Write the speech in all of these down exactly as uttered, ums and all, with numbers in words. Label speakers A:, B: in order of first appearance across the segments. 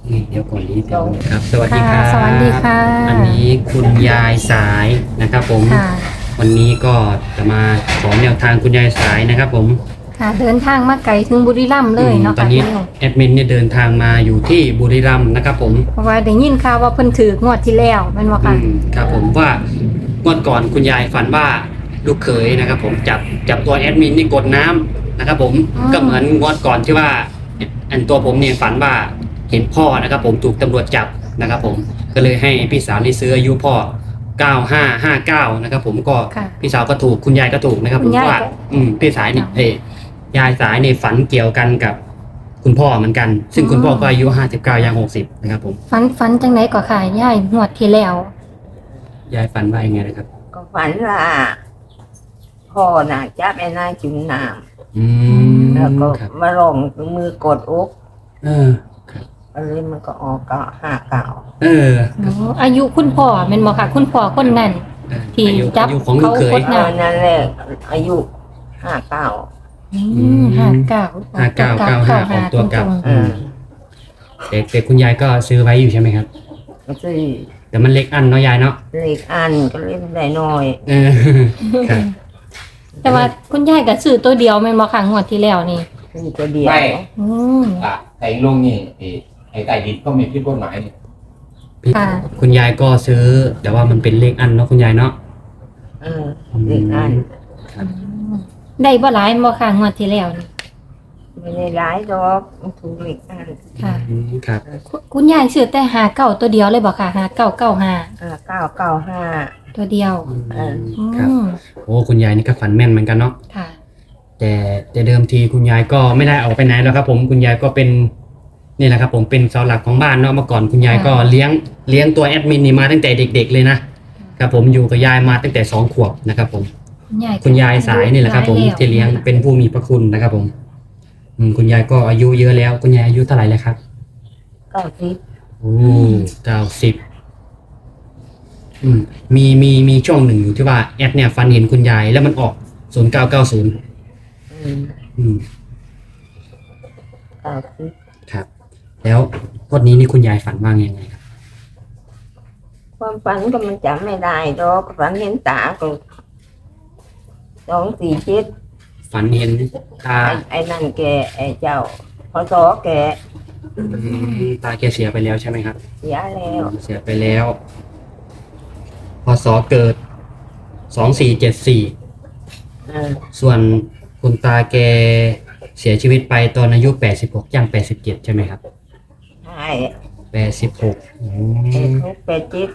A: นี่เดี๋ยวก่อนนี้เดี๋ยวนะครับสวัสดีค
B: ค่ะ
A: รับ
B: สวัสดีค่ะ
A: อันนี้คุณยายสายนะครับผม
B: ค่ะ
A: วันนี้ก็จะมาขอแนวทางคุณยายสายนะครับผม
B: ค่ะ เดินทางมาไกลถึงบุรีรัมย์เลยเนาะ
A: ตอ
B: ค่ะ
A: นนี้
B: พี่น้อง
A: แอดมินเนี่ยเดินทางมาอยู่ที่บุรีรัมย์นะครับผม
B: เพราะว่าได้ยินข่าวว่าเพิ่นถืองวดที่แล้วแม่นบ่
A: อื
B: ค่ะ
A: มครับผมว่างวดก่อนคุณยายฝันว่าลูกเขยนะครับผมจับจับตัวแอดมินนี่กดน้ำนะครับผม
B: อืม
A: ก็เหมือนงวดก่อนที่ว่าอันตัวผมเนี่ยฝันว่าเห็นพ่อนะครับผมถูกตำรวจจับนะครับผมก็เลยให้พี่สาวที่ซื้ออายุพ่อเก้าห้าห้าเก้านะครับผมก็
B: ค่ะ
A: พี่สาวก็ถูกคุณยายก็ถูกนะครับผ
B: คุ
A: ม
B: ณยาย
A: ว่า
B: ก็
A: อืมพี่สายนี่เอยยายสายในฝันเกี่ยวกันกับคุณพ่อเหมือนกัน ซึ่งคุณพ่อก็อายุห้าสิบเก้าย่างหกสิบนะครับผม
B: ฝันฝันจังได๋ก็ค่ะยายงวดที่แล้ว
A: ยายฝันว่ายังไงนะครับ
C: ก็ฝันว่าพ่อน่ะจับไอ้นายจุ่มน้
A: อืม
C: ำแล้วก็
A: ครับ
C: มาลงมือกดอก
A: เออครับ
C: อะไรมันก็ออกก็ห้าเก่า
A: เออ
B: อ๋ออายุคุณพ่อแม่นบ่ค่ะ คุณพ่อคนนั้น
A: เออ
B: ที่
A: อายุ
B: จับ
A: อายุของลูกเข
B: เขา
A: ย
B: กด
C: เออนั่นแหละอายุห้าเก้า
B: อืมห้าเก้า
A: ห้าเก้าเก้าห้าออกตัวกลับ
B: ตรง
C: เออ
A: แต่แต่คุณยายก็ซื้อไว้อยู่ใช่ไหมครับ
C: ก็ซื้อ
A: แต่มันเล็กอันเนาะยายเนาะ
C: เลขอันก็เล่นได้น้อย
A: เออครับ
B: ๆแต่ว่าคุณยายก็ซื้อตัวเดียวแม่นบ่ค่ะงวดที่แล้วนี่
C: ซื้อตัวเดียว
D: ไม่
B: อืม
D: อ่ะแต่ลงนี่ไอ้ไอ้ใต้ดินก็มีพิษกฎหมายนี่
A: พี่
B: ค่ะ
A: คุณยายก็ซื้อ แต่ว่ามันเป็นเลขอันเนาะคุณยายเนาะ
C: เออเลขอัน
A: ครับ
B: ได้บ่หลายบ่ค่ะงวดที่แล้วนี่
C: ไม่ได้ร้ายดอกมันถูกเลขอัน
B: ค่ะ
A: อืมครับ
B: คุณคุณยายซื้อแต่หาเก้าตัวเดียวเลยบอกค่ะหาเก้าเก้าห้า
C: ห้าเก้าเก้าห้า
B: ตัวเดียว
C: เออ
A: ครับ
B: อืม
A: โอ้คุณยายนี่ก็ฝันแม่นเหมือนกันเนาะ
B: ค่ะ
A: แต่แต่เดิมทีคุณยายก็ไม่ได้ออกไปไหนแล้วครับ ผมคุณยายก็เป็นนี่แหละครับ ผมเป็นเสาหลักของบ้านเนาะเมื่อก่อนคุณยายก็เลี้ยงเลี้ยงตัวแอดมินนี่มาตั้งแต่เด็ก ๆ เลยนะครับผมอยู่กับยายมาตั้งแต่สองขวบนะครับผม
B: คุณยาย
A: คุณยายสายนี่แหละครับผม
B: ายแว
A: ที่เลี้ยงเป็นผู้มีพระคุณนะครับผมอืมคุณยายก็อายุเยอะแล้ว คุณยายอายุเท่าไหร่แล้วครับ
C: เก้าสิบ
A: โอ้เก้าสิบอืมมีมีมีช่วงหนึ่งอยู่ที่ว่าแอดเนี่ยฟันเห็นคุณยายแล้วมันออกศูนย์เก้าเก้าศูนย์
C: อืม
A: อืม
C: เก้าสิบ
A: ครับ แล้วงวันนี้นี่คุณยายฝันว่ายังไงครับ
C: ความฝันก็มันจำไม่ได้ดอกฝันเห็นตาก็สองสี่เจ็ด
A: ฝันเห็นตา
C: ไอ้ไอ้นั่นแกไอ้เจ้าพอสอแก
A: อืมตาแกเสียไปแล้วใช่ไหมครับ
C: เสียแล้ว
A: เสียไปแล้วพศเกิดสองสี่เจ็ดสี่
C: เออ
A: ส่วนคุณตาแกเสียชีวิตไปตอนอายุแปดสิบหกย่างแปดสิบเจ็ดใช่ไหมครับ
C: ใช่
A: แปดสิบหก
C: ไอ้ทุกเป็ดจิต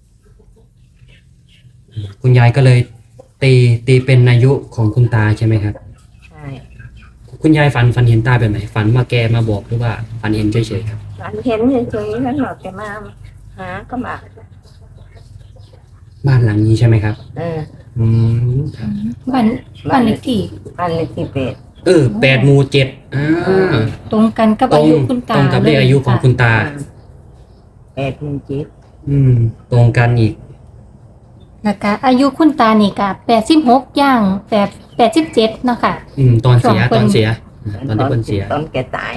A: คุณยายก็เลยตีตีเป็นอายุของคุณตาใช่ไหมครับ
C: ใช่
A: คุณยายฝันฝันเห็นตาแบบไหนฝันว่าแกมาบอกหรือว่าฝันเห็นเฉยๆครับ
C: ฝันเห็นเฉยๆแล้วหนอกแกมาหาก็มา
A: บ้านหลังนี้ใช่ไหมครับ
C: เออ
A: อืมครับ
B: บ้านบ้านเลขที่
C: อันเลขที่เป็ด
A: เออแปดหมู่เจ็ดอ่า
B: ตรงกันกับ
A: ตร
B: อาง ยุคุณตา
A: ตรงกับเลขอายุของคุณตา
C: เป็ดมีจิต
A: อืม ตรงกันอีก
B: แล้วก็อายุคุณตานี่ก็แปดสิบหกย่างแปดแปดสิบเจ็ดเนาะค่ะ
A: อืม ตอนเสีย
B: สองคน
A: ตอนเสียตอนที่เพิ่นเสีย
C: ตอนแกตาย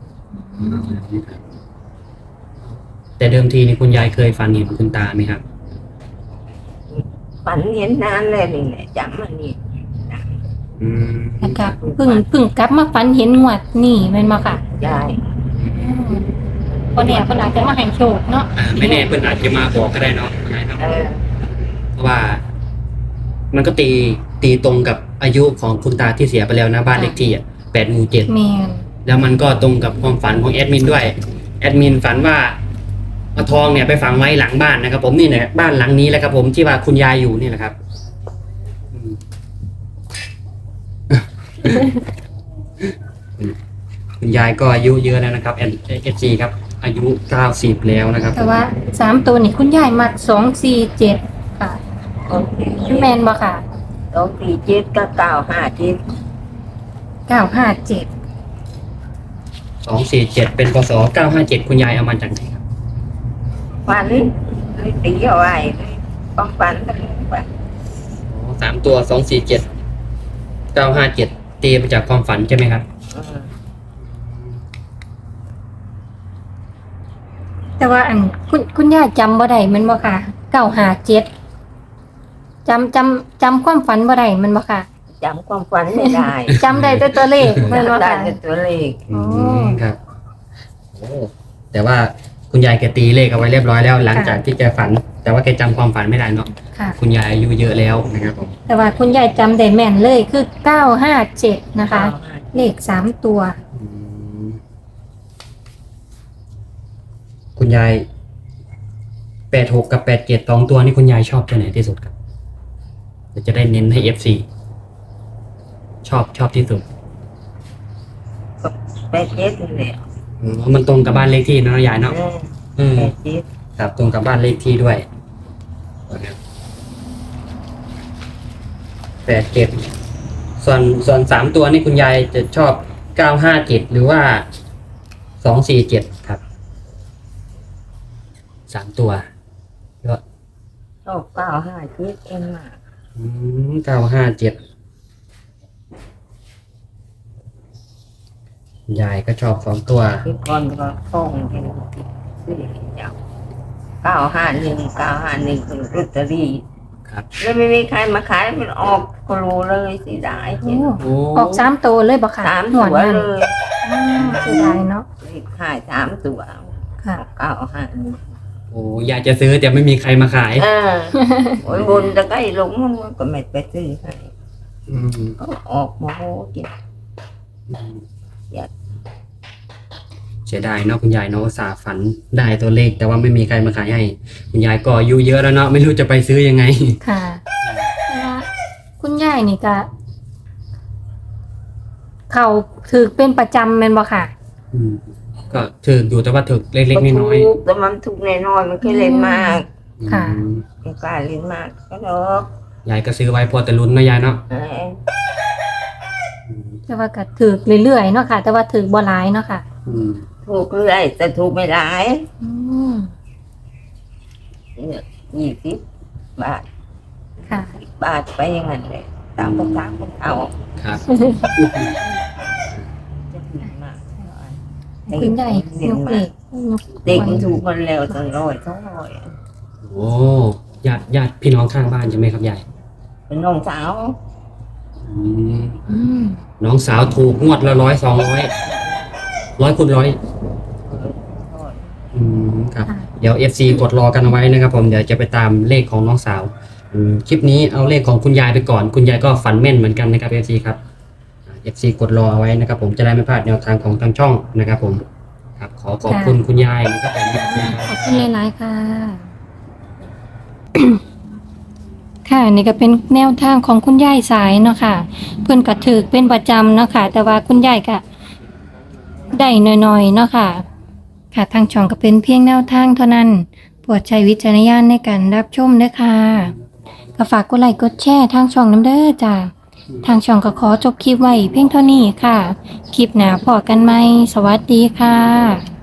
A: แต่เดิมทีนี่คุณยายเคยฝันเห็นคุณตาไหมครับ
C: ฝันเห็นนานเลยนี่แหละจำมันนี่
A: อืม
B: แล้วก็เพิ่งเพิ่งกลับมาฝันเห็นงวดนี่แม่นบ่ค่ะ
C: ยาย
B: คนเนี่ยเพิ่นอาจจะมาให้โชคเนาะ
A: อ่าไม่แน่เพิ่นอาจจะมาบอกก็ได้เนาะคุณยายเนาะ
C: เออ
A: เพราะว่า มันก็ตีตีตรงกับอายุของคุณตาที่เสียไปแล้วนะบ้านเลขที่อ่ะแปดหมู่เจ็ด
B: แม่น
A: แล้วมันก็ตรงกับความฝันของแอดมินด้วยแอดมินฝันว่าเอาทองเนี่ยไปฝังไว้หลังบ้านนะครับ ผมนี่เนี่ยบ้านหลังนี้แหละครับ ผมที่ว่าคุณยายอยู่นี่แหละครับอืม คุณยายก็อายุเยอะแล้วนะครับเอฟซีครับ อายุเก้าสิบแล้วนะครับ
B: แต่ว่าสามตัวนี่คุณยายมักสองสี่เจ็ดค่ะ
C: โอเค
B: แม่นบ่ค่ะ
C: สองสี่เจ็ดก็เก้าห้าเจ็ด
B: เก้าห้าเจ็ด
A: สองสี่เจ็ดเป็นพศเก้าห้าเจ็ดคุณยายเอามาจากไหนครับ
C: ฝันเลยตีเอาไว้ความฝันก็ฝัน
A: อ๋อสามตัวสองสี่เจ็ดเก้าห้าเจ็ดตีมาจากความฝันใช่ไหมครับ
C: เออ
B: แต่ว่าอันคุณคุณย่าจำบ่ได้แมันบ่ค่ะเก้าห้าเจ็ดจำจำจำความฝันบ่ได้แมันบ่ค่ะ
C: จำความฝันไม่ได้
B: จำได้แต่ตัวเลขแมันบ่
C: จำได้
B: ค่ะ
C: แต่ตัวเลข
A: อืมครับโอ้แต่ว่าคุณยายแกตีเลขเอาไว้เรียบร้อยแล้ว หลังจากที่แกฝัน แต่ว่าแกจำความฝันไม่ได้เนาะ
B: ค่ะ
A: คุณยายอายุเยอะแล้วนะครับผม
B: แต่ว่าคุณยายจำได้แม่นเลยคือเก้าห้าเจ็ดนะคะ เลขสามตัว
A: อืมคุณยายแปดหกกับแปดเจ็ดสองตัวนี่คุณยายชอบตัวไหนที่สุดครับเดี๋ยวจะได้เน้นให้เอฟซีชอบชอบที่สุด
C: แปดเจ็ดนี่แหละ
A: อืมมันตรงกับบ้านเลขที่เนาะยายเนาะ
C: เออ
A: อืม
C: แปดเจ็ด
A: ครับตรงกับบ้านเลขที่ด้วยแปดเจ็ดส่วนส่วนสามตัวนี่คุณยายจะชอบเก้าห้าเจ็ดหรือว่าสองสี่เจ็ดครับสามตัวก็
C: ชอบเก้าห้าเจ็ดเองมาก
A: เก้าห้าเจ็ดยายก็ชอบสองตัว
C: คือก่อนก็ท่องเป็นซื้อเจ้าเก้าห้าหนึ่งเก้าห้าหนึ่งคือลอตเตอรี่
A: ครับ
C: แล้วไม่มีใครมาขายมันออกก็รู้เลยสิได้เห็น
A: โอ้
B: ออกสามตัวเลยบ่ค่ะ
C: สาม
B: หั
C: ตัว ว
B: นั่น
C: เลย
B: อืมเสียดายเนาะ
C: รีบขายสามตัว
B: ค่ะ
C: เก้าห้าหนึ่ง
A: โอ้ยายจะซื้อแต่ไม่มีใครมาขาย
C: เออโอ้ยบนตะไคร้ลงมันก็ไม่ไปซื้อให้
A: อืม
C: ก็ออกมาโหกิน อยาก
A: เสียดายเนาะคุณยายเนาะอุตสาห์ฝันได้ตัวเลข แต่ว่าไม่มีใครมาขายให้ คุณยายก็อายุเยอะแล้วเนาะไม่รู้จะไปซื้อยังไง
B: ค่ะแต่ว่าคุณยายนี่ก็เขาถือเป็นประจำแม่นบ่ค่ะ
A: อืมก็ถึกอยู่แต่ว่าถึกเล็กๆน้อย
C: ถูกแต่มันถูกแน่นอนมันเคยเล่นมาก
A: ๆ
B: ค่ะ
A: อืม
C: ไม่กล้าเล่นมากก็ดอก
A: ยายก็ซื้อไว้พอแต่ลุ้นเนาะยายเนาะ
C: เออ
A: อืม
B: แต่ว่าก็ถือเรื่อยๆเนาะค่ะ แต่ว่าถือบ่หลายเนาะค่ะ
A: อืม
C: ถูกเรื่อยแต่ถูกไม่หลาย
B: อืม
C: เนี่ยยี่สิบบาท
B: ค่ะ
C: บาทไปอยังไงเลยตามภาษาคนเอา
A: ครับ
C: จะถูกมาก
B: คุณยาย
C: เด็ก
B: ยก
C: มา
B: เล
C: ก
B: ขยก
C: เด็กมันถูกมันแล้วตั้งร้อยสองร้อย
A: โอ้ญาติญาติพี่น้องข้างบ้านใช่ไหมครับยาย
C: เป็นน้องสาว
A: อืม
B: อืม
A: น้องสาวถูกงวดละร้อยสองร้อยร้อยคูณร้อย อืมครับ
B: ค่ะ
A: เดี๋ยว เอฟ ซี กดรอกันเอาไว้นะครับผมเดี๋ยวจะไปตามเลขของน้องสาวอืมคลิปนี้เอาเลขของคุณยายไปก่อน คุณยายก็ฝันแม่นเหมือนกันนะครับ เอฟ ซี ครับ เอฟ ซี กดรอเอาไว้นะครับผมจะได้ไม่พลาดแนวทางของทางช่องนะครับผมครับขอขอบคุณคุณยายนะครับผม
B: ขอบคุณหลายๆค่ะ ค่ะนี่ก็เป็นแนวทางของคุณยายสายเนาะค่ะ เพื่อนก็ถือเป็นประจำเนาะค่ะ แต่ว่าคุณยายก็ได้น้อยๆเนาะค่ะ ค่ะทางช่องก็เป็นเพียงแนวทางเท่านั้นโปรดใช้วิจารณญาณในการรับชมด้วยค่ะก็ฝากกดไลค์กดแชร์ทางช่องน้ำเด้อจ้าทางช่องก็ขอจบคลิปไว้เพียงเท่านี้ค่ะ คลิปหน้าพอกันไหมสวัสดีค่ะ